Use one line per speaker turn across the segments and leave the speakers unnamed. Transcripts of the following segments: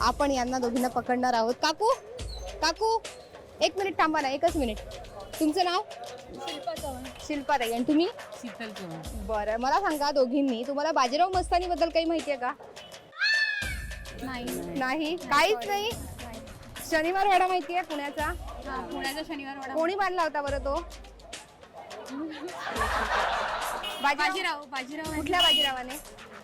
आपण यांना दोघींना पकडणार आहोत. काकू काकू एक मिनिट थांबा ना, एकच मिनिट. तुमचं नाव? शिल्पा ताई. आणि तुम्ही?
शीतल चव्हाण.
बरं, मला सांगा दोघींनी, तुम्हाला बाजीराव मस्तानी बद्दल काही माहिती आहे का? नाही, काहीच नाही. शनिवार वाडा माहिती आहे पुण्याचा?
पुण्याचा शनिवार वाडा.
कोणी बांधला होता बरं तो?
बाजीराव. बाजीराव.
कुठल्या बाजीरावाने?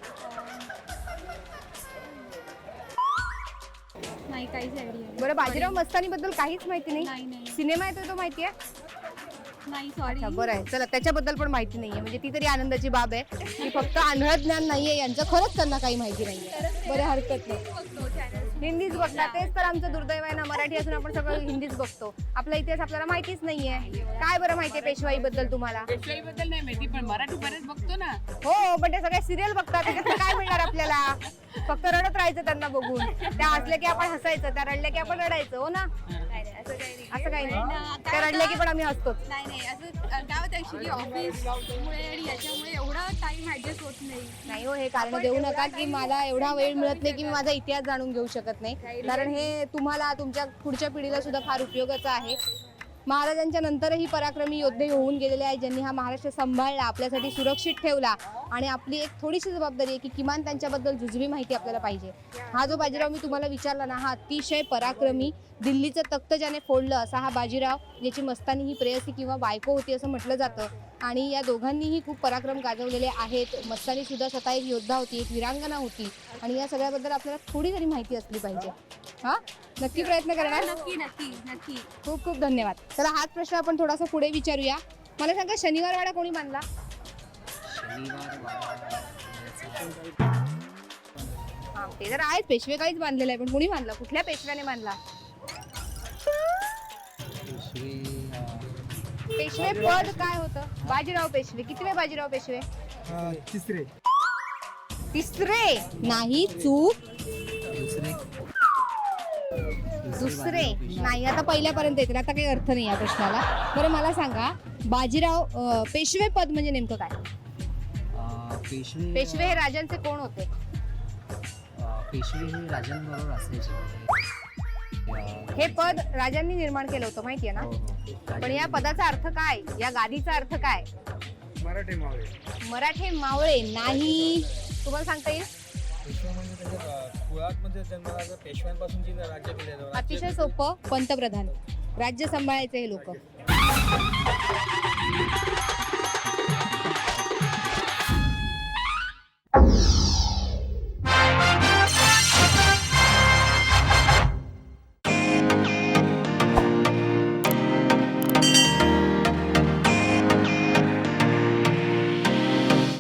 नाही, काहीच आयडिया
बरं, बाजीराव मस्तानी बद्दल काहीच माहिती नाही.
नाही.
सिनेमा येतोय तो माहिती आहे?
नाही, सॉरी.
बरं आहे, चला त्याच्याबद्दल पण माहिती नाहीये, म्हणजे ती तरी आनंदाची बाब आहे की फक्त आंधळ ज्ञान नाहीये यांचं, खरंच त्यांना काही माहिती नाहीये. बरं, हरकत नाही. हिंदीच बघता, तेच तर आमचं दुर्दैव आहे ना. मराठी असून आपण सगळं हिंदीच बघतो. आपला इतिहास आपल्याला माहितीच नाहीये. काय बरं माहितीये पेशवाई बद्दल तुम्हाला?
पेशवाई बद्दल नाही माहिती, पण मराठी बरेच बघतो ना.
हो, पण ते सगळे सिरियल बघतात, त्याच्यात काय मिळणार आपल्याला? फक्त रडत राहायचं त्यांना बघून. त्या हसल्या की आपण हसायचं, त्या रडल्या की आपण रडायचं. हो ना? असं काही नाही. त्या रडल्या की पण आम्ही हसतोच.
नाही, असं काय होतं ऍक्च्युली ऑफिसमुळे आणि याच्यामुळे एवढा टाइम ऍडजस्ट होत नाही.
हो, हे कारण देऊ नका की मला एवढा वेळ मिळत नाही की मी माझा इतिहास जाणून घेऊ शकत नाही, कारण हे तुम्हाला तुमच्या पुढच्या पिढीला सुद्धा फार उपयोगाचं आहे. महाराजांच्या नंतरही पराक्रमी योद्धे होऊन गेलेले आहेत, ज्यांनी हा महाराष्ट्र सांभाळला, आपल्यासाठी सुरक्षित ठेवला. आणि आपली एक थोडीशी जबाबदारी आहे की किमान त्यांच्याबद्दल जुजवी माहिती आपल्याला पाहिजे. हा जो बाजीराव मी तुम्हाला विचारला ना, हा अतिशय पराक्रमी, दिल्लीचं तख्त ज्याने फोडलं असा हा बाजीराव, ज्याची मस्तानी ही प्रेयसी किंवा बायको होती असं म्हटलं जातं. आणि या दोघांनीही खूप पराक्रम गाजवलेले आहेत. मस्तानी सुद्धा स्वतः एक योद्धा होती, एक वीरांगना होती. आणि या सगळ्याबद्दल आपल्याला थोडी तरी माहिती असली पाहिजे. हा, नक्की प्रयत्न करणार.
नक्की.
खूप खूप धन्यवाद. चला, हाच प्रश्न आपण थोडासा पुढे विचारूया. मला सांगा, शनिवार वाडा कोणी बांधला? हा, ते तर आहेच, पेशवे काहीच बांधलेलं आहे, पण कोणी बांधला? कुठल्या पेशव्याने बांधला? पेशवे पद काय होतं? बाजीराव पेशवे. कितवे बाजीराव पेशवे? तिसरे नाही, चूक. दुसरे नाही. आता पहिल्यापर्यंत येतील, आता काही अर्थ नाही या प्रश्नाला. बरं, मला सांगा, बाजीराव पेशवे पद म्हणजे नेमकं काय? पेशवे हे राजांचे कोण होते?
पेशवे हे राजांबरोबर असायचे.
हे पद राजांनी निर्माण केलं होतं, माहितीये ना? पण या पदाचा अर्थ काय? या गादीचा अर्थ काय?
मराठी मावळे.
मराठे मावळे नाही. तुम्हाला सांगता येईल?
कुळामध्ये जन्मला पेशव्यांपासून जी राज्य केलं.
अतिशय सोपं, पंतप्रधान. राज्य सांभाळायचे हे लोक.